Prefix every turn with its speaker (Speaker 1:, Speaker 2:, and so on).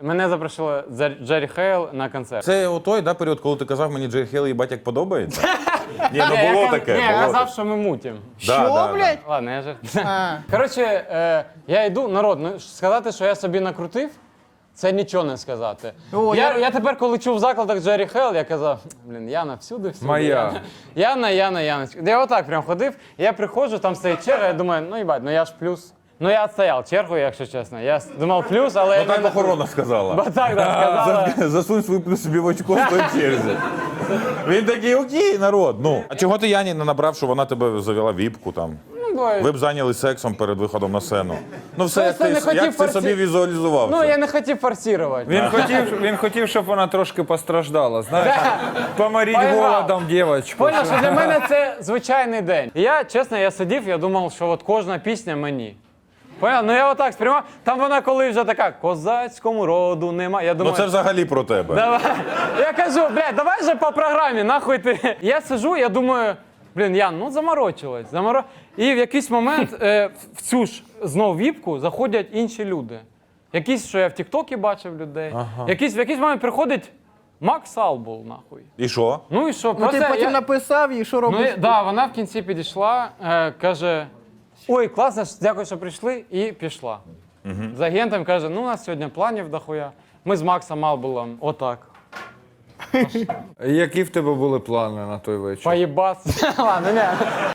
Speaker 1: Мене запросили Джері Хейл на концерт.
Speaker 2: Це той, да, період, коли ти казав мені Джері Хейл, їбать, як подобається? Ні, ну
Speaker 1: Ні,
Speaker 2: було
Speaker 1: я
Speaker 2: таке.
Speaker 1: я
Speaker 2: було
Speaker 1: казав,
Speaker 2: таке.
Speaker 1: що ми мутім.
Speaker 3: Що, блядь?
Speaker 1: Ладно, я же.
Speaker 3: А.
Speaker 1: Коротше, я йду, народ, ну, сказати, що я собі накрутив, це нічого не сказати.
Speaker 3: О,
Speaker 1: Я тепер, коли чув в закладах Джері Хейл, я казав, блін, Яна всюди.
Speaker 4: Моя.
Speaker 1: Яна. Я отак прям ходив, я приходжу, там стоїть черга, я думаю, ну їбать, ну я ж плюс. Ну я відстояв чергу, якщо чесно. Я думав плюс, але...
Speaker 2: Ну так охорона сказала.
Speaker 1: Бо так сказала.
Speaker 2: Засунь свій плюс собі в очко в той черзі. Він такий, окей, народ. Ну, а чого ти Яні не набрав, що вона тебе завела віпку там? Ви б зайнялись сексом перед виходом на сцену. Ну все, як
Speaker 1: Просто не
Speaker 2: ти,
Speaker 1: хотів
Speaker 2: як ти собі візуалізував
Speaker 1: Ну,
Speaker 2: це?
Speaker 1: я не хотів форсувати.
Speaker 4: Він хотів, щоб вона трошки постраждала, знаєш? Поморіть
Speaker 1: Поіграв.
Speaker 4: голодом дівчинку.
Speaker 1: Поняв, що для мене це звичайний день. І я, чесно, я сидів, я думав, що от кожна пісня мені. Поняв? Ну я отак сприймав. Там вона коли вже така, козацькому роду нема. Я
Speaker 2: Ну
Speaker 1: думаю,
Speaker 2: це взагалі про тебе.
Speaker 1: давай. Я кажу, блядь, давай же по програмі, нахуй ти. Я сиджу, я думаю, блін, Ян, ну заморочилась. І в якийсь момент в цю ж знов віпку заходять інші люди. Якісь, що я в Тіктокі бачив людей. В якийсь момент приходить Макс Албул, нахуй.
Speaker 2: І що?
Speaker 1: Ну і що?
Speaker 3: Ну ти потім
Speaker 1: я...
Speaker 3: написав і що робиш?
Speaker 1: Да, вона в кінці підійшла, каже, ой, класно, дякую, що прийшли, і пішла. З агентом каже, ну у нас сьогодні планів дохуя. Ми з Максом Албулом отак.
Speaker 4: Які в тебе були плани на той вечір?
Speaker 1: Поїбаться. Ладно, не.